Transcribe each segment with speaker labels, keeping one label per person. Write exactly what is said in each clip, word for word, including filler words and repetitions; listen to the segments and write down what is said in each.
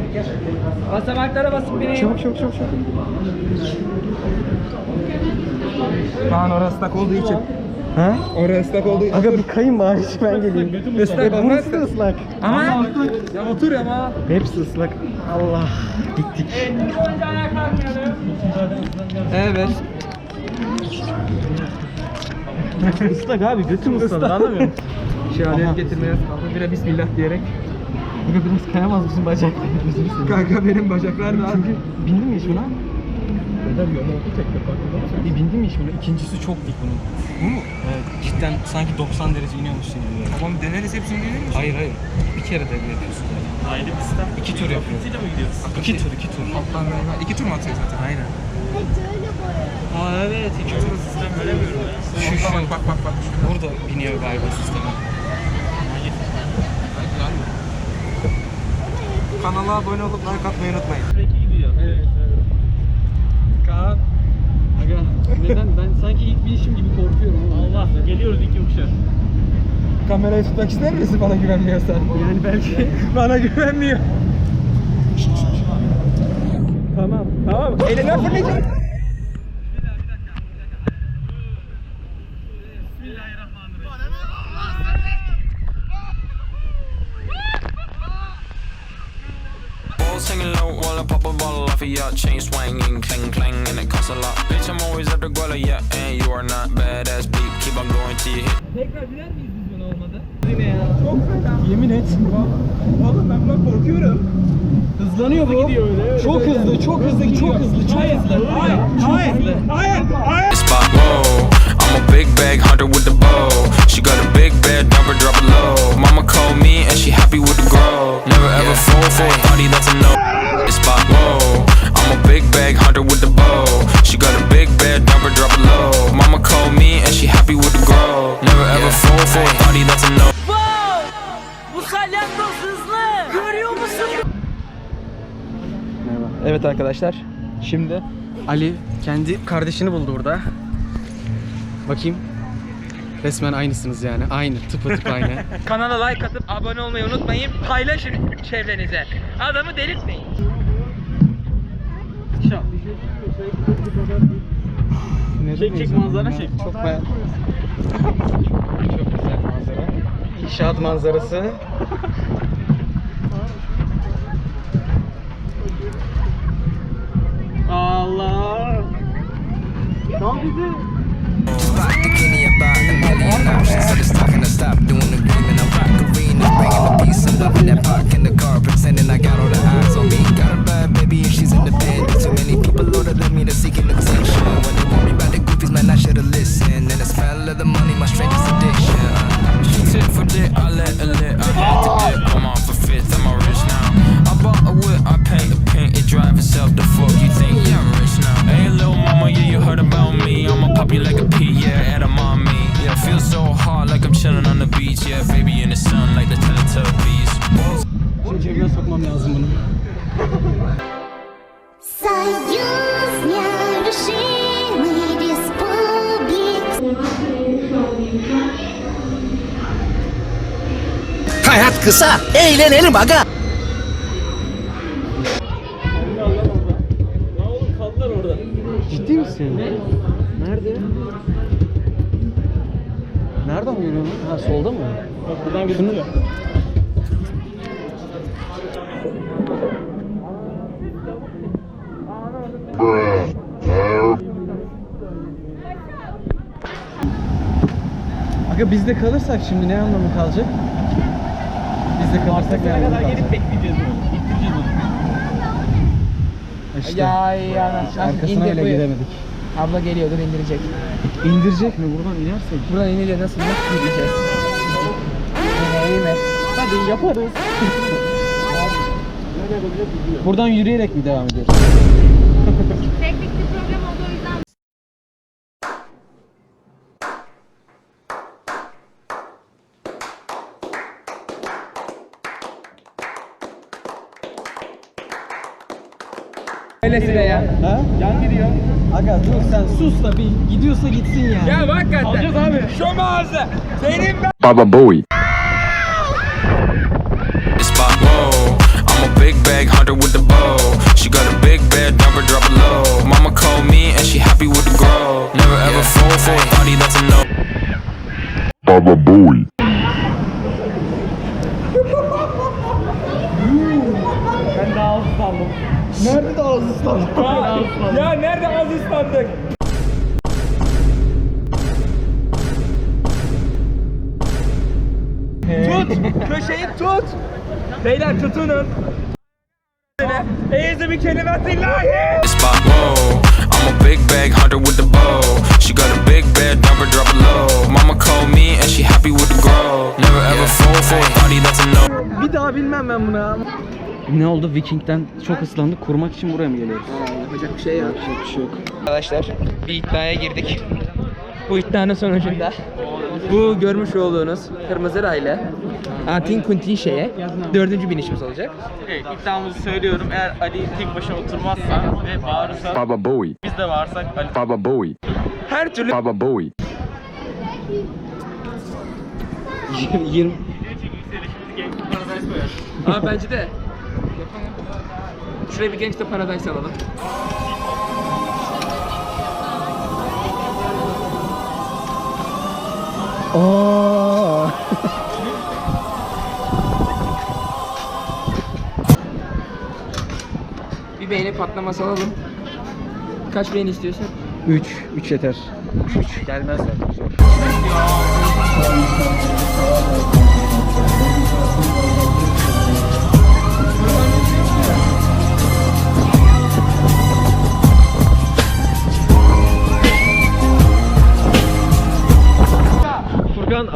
Speaker 1: Basamaklara basıp bineyim.
Speaker 2: Çabuk çabuk çabuk çabuk. Kaan orası ıslak olduğu için. Ha? Orası ıslak olduğu için. Aga bir kayın bari ben geleyim. Islak olmaz. Burası da ıslak.
Speaker 1: Ama
Speaker 2: ya otur ama. Hepsi ıslak. Allah. Gittik.
Speaker 1: evet.
Speaker 2: Islak abi götüm ısladı anlamıyor musun?
Speaker 1: Şöyle getirmeye kaldı. Bire bismillah diyerek.
Speaker 2: Aga biraz kayamaz mısın bacaklarını?
Speaker 1: Kanka benim bacaklar da
Speaker 2: Çünkü bindin mi hiç buna?
Speaker 1: neden yok? Oldu tek defa.
Speaker 2: E, bindin mi hiç buna? İkincisi çok dik bunun.
Speaker 1: Bu mu?
Speaker 2: Evet, cidden sanki doksan derece iniyormuşsun gibi.
Speaker 1: Tamam deneriz hepsini deneriz.
Speaker 2: Hayır hayır. Bir kere de yapıyorsun zaten.
Speaker 3: Aile bir sistem.
Speaker 2: İki tur yapıyoruz.
Speaker 3: Ile mi gidiyoruz?
Speaker 2: İki tur, iki tur.
Speaker 1: Alttan galiba. İki tur mu atıyor zaten?
Speaker 2: Aynen.
Speaker 3: Aa evet. İki tur sistem veremiyorum ya.
Speaker 2: Şu şu.
Speaker 1: Bak bak bak bak.
Speaker 2: Burada biniyor galiba sisteme.
Speaker 1: Kanala abone olup like atmayı unutmayın.
Speaker 3: Peki gidiyor. Evet.
Speaker 1: Kaan.
Speaker 2: Aga neden? Ben sanki ilk binişim gibi korkuyorum.
Speaker 3: Allah. Geliyoruz iki yokuşa.
Speaker 1: Kamerayı tutmak ister misin bana güvenmiyorsan?
Speaker 2: Yani belki.
Speaker 1: Bana güvenmiyor. Tamam. Tamam. Eline fırlayacak.
Speaker 4: Singing low while I pop a bottle off of ya. Chain swinging, clang clang, and it costs a lot. Bitch, I'm always at the guala, yeah, and you are not badass beat. Keep on going till you hit.
Speaker 1: Tekrar biner miyiz biz buna olmadı? Yine ya. Çok fena.
Speaker 2: Yemin et.
Speaker 1: Oğlum ben buna korkuyorum.
Speaker 2: Hızlanıyor bu.
Speaker 3: Gidiyor öyle, öyle.
Speaker 2: Çok hızlı, çok hızlı, çok hızlı, çok hızlı.
Speaker 1: Hayır, hayır, hayır, hayır.
Speaker 4: Spot, whoa. I'm a big bag hunter with the bow. She got a big bed, number drop it low. Mama called me and she happy with the grow. Never ever fall for a thotty, that's a no. Spot, whoa. I'm a big bag hunter with the bow. She got a big bed, number drop it low. Mama called me and she happy with the grow. Never ever fall for a thotty, that's a no.
Speaker 5: Wow! Bu salyangoz hızlı. Görüyor musun?
Speaker 2: Merhaba. Evet arkadaşlar. Şimdi Ali kendi kardeşini buldu burada. Bakayım. Resmen aynısınız yani. Aynı. Tıpatıp aynı.
Speaker 1: Kanala like atıp abone olmayı unutmayın. Paylaşın çevrenize. Adamı delirtmeyin.
Speaker 3: Çek çek manzara çek.
Speaker 2: Çok beğendim. Çok güzel manzara. İnşaat manzarası.
Speaker 3: Allah. Tam bizi.
Speaker 6: Bikini about a million options. So just talking to stop doing the green and I'm rock arena. Bringing the peace and love in that park in the car. Pretending I got all the eyes on me. Got a bad baby and she's independent. Too many people older than me to seeking attention. When they worry about the goofies, man, I should've listened. And the smell of the money, my strangest addiction.
Speaker 4: She tip for dick, I let her lit. I had to dip. I'm off a fifth, I'm all rich now. I bought a whip, I paint a paint, it drive itself. The fuck you think? Yeah, I'm rich now. Hey, little mama, yeah, you heard about me. I'ma pop you like a pea, yeah, at a mommy. Yeah, feel so hot like I'm chilling on the beach. Yeah, baby in the sun like the Teletubbies.
Speaker 2: Şimdi cebime sokmam lazım bunu.
Speaker 7: Союзня решений республик.
Speaker 8: Hayat kısa, eğlenelim aga.
Speaker 3: Ya oğlum kaldılar orada.
Speaker 2: Ciddi misin? Ne? Nerede? Nereden görüyorsun? Ha solda mı?
Speaker 3: Bak buradan gözüküyor.
Speaker 2: Aga bizde kalırsak şimdi ne anlamı kalacak? Bizde kalırsak ne
Speaker 3: Ne
Speaker 2: anlamı
Speaker 3: kadar
Speaker 2: kalacak?
Speaker 3: gelip bekleyeceğiz bunu. İttireceğiz onu.
Speaker 2: İşte
Speaker 1: Ya ya nasıl
Speaker 2: arkasına bile gidemedik.
Speaker 1: Abla geliyordur indirecek.
Speaker 2: İndirecek mi? Buradan inersek.
Speaker 1: Buradan inince nasıl nasıl gideceğiz? Yine iyi mi?
Speaker 2: Hadi yaparız. Buradan yürüyerek mi devam ediyoruz?
Speaker 7: Teknik bir problem oldu o yüzden.
Speaker 1: Öylesine ya.
Speaker 2: Ha?
Speaker 3: Yan gidiyor.
Speaker 2: Aga dur sen sus da bir gidiyorsa gitsin ya.
Speaker 1: Ya bak hakikaten.
Speaker 3: Alacağız abi.
Speaker 1: Şu mağaza. Senin ben.
Speaker 4: Baba Bowie. Spot, whoa. I'm a big bag bag hunter with the bow. She got a big bed, number drop it low. Mama called me and she happy with the grow. Never ever fall for a body that's a no.
Speaker 9: Baba Bowie.
Speaker 3: Ben daha az sandım.
Speaker 2: Nerede de ağzı ıslandık?
Speaker 1: Ya nerede az ıslandık? Tut! Köşeyi tut! Beyler tutunun! Eyyüzü bir kelimetillahi!
Speaker 4: Spot, whoa. I'm a big bag hunter with the bow. She got a big bed, number drop it low. Mama called me and she happy with the grow. Never ever fall for a body that's a no.
Speaker 2: Bir daha bilmem ben buna.
Speaker 3: Ne oldu? Viking'den çok ıslandık. Kurumak için buraya mı geliyoruz?
Speaker 2: Yapacak bir şey yok. Yapacak bir şey yok.
Speaker 1: Arkadaşlar bir iddiaya girdik. Bu iddianın sonucunda bu görmüş olduğunuz kırmızı raylı Antin Kuntin şeye dördüncü binişimiz olacak.
Speaker 3: Evet, iddiamızı söylüyorum. Eğer Ali tek başına oturmazsa ve bağırırsa
Speaker 9: Baba Bowie.
Speaker 3: biz de bağırsak Ali.
Speaker 9: Baba Bowie.
Speaker 1: Her türlü
Speaker 9: Baba Bowie.
Speaker 2: yirmi
Speaker 1: Ama bence de şuraya bir Gangsta Paradise alalım.
Speaker 2: Aa.
Speaker 1: Bir beğeni patlaması alalım. Kaç beğeni istiyorsun?
Speaker 2: üç. üç yeter. üç gelmez zaten.
Speaker 3: Furkan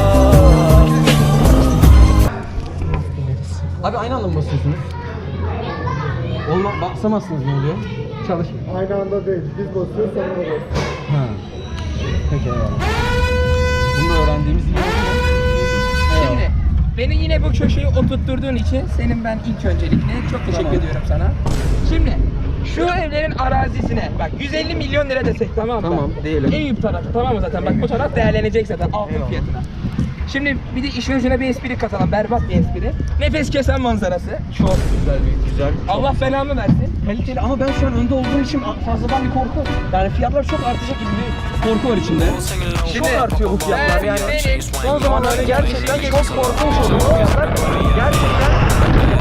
Speaker 2: Abi aynı anda mı basıyorsunuz? Olma, basamazsınız ne oluyor? Çalış.
Speaker 10: Aynı anda değil. Biz basıyoruz sonra da basıyoruz.
Speaker 2: Ha. Peki eyvallah. Bunu da öğrendiğimiz gibi oldu mu?
Speaker 1: Şimdi beni yine bu köşeyi oturtturduğun için senin ben ilk öncelikle çok teşekkür
Speaker 2: Tamam.
Speaker 1: ediyorum sana. Şimdi şu evlerin arazisine bak yüz elli milyon lira desek tamam mı?
Speaker 2: Tamam, diyelim.
Speaker 1: Eyüp tarafı tamam mı zaten? Bak bu taraf değerlenecek zaten altın
Speaker 2: Eyvallah.
Speaker 1: fiyatına. Şimdi bir de işin ucuna bir espri katalım, berbat bir espri. Nefes kesen manzarası.
Speaker 2: Çok güzel bir güzel.
Speaker 1: Allah belamı versin.
Speaker 2: Kaliteli ama ben şu an önde olduğum için fazladan bir korku. Yani fiyatlar çok artacak gibi bir korku var içinde. Çok artıyor bu fiyatlar yani. Son zamanlarda gerçekten çok korkunç oluyor bu fiyatlar. Gerçekten.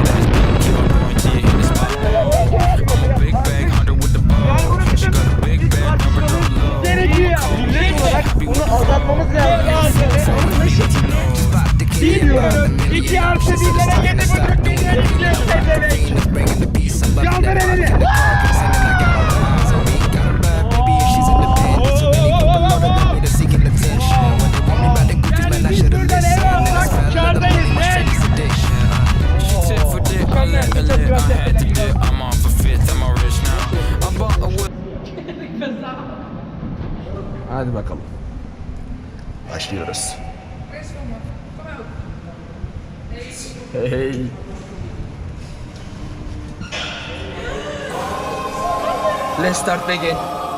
Speaker 4: Big bag hunter with the bow. She got a big bed, number drop it low.
Speaker 1: Gerekiyor.
Speaker 2: Bunu azaltmamız lazım.
Speaker 1: Bilmiyorum. İki artı birlere yedi buçuk milyon istiyoruz. Kaldır elini.
Speaker 4: I'm on for fifth, I'm all rich now. I bought a whip.
Speaker 2: Hadi bakalım.
Speaker 8: Başlıyoruz.
Speaker 2: Hey.
Speaker 1: Let's start again.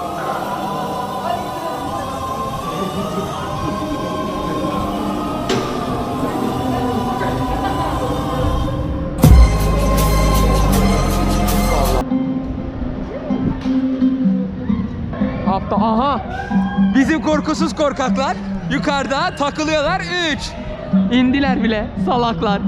Speaker 1: Hafta aha. Bizim korkusuz korkaklar yukarıda takılıyorlar. üç. İndiler bile salaklar.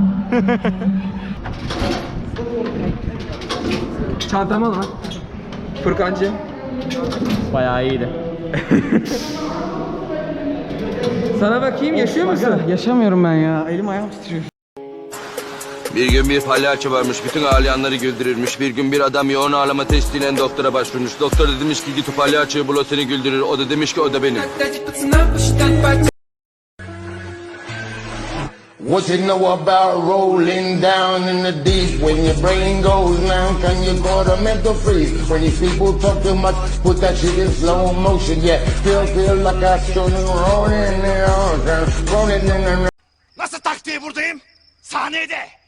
Speaker 1: Çantamı al lan. Furkancığım.
Speaker 2: Bayağı iyiydi.
Speaker 1: Sana bakayım yaşıyor musun?
Speaker 2: Yaşamıyorum ben ya. Elim ayağım titriyor.
Speaker 11: Bir gün bir palyaço varmış, bütün ağlayanları güldürürmüş. Bir gün bir adam yoğun ağlama testiyle doktora başvurmuş. Doktor da demiş ki git o palyaçoyu bul, o seni güldürür. O da demiş ki o da benim.
Speaker 10: What you know about rolling down in the deep? When your brain goes numb, can you go to mental freeze? When these people talk too much, put that shit in slow motion. Yeah, still feel like I should rolling in the ocean, rolling in the.
Speaker 8: Nasıl taktiği buradayım? Sahnede.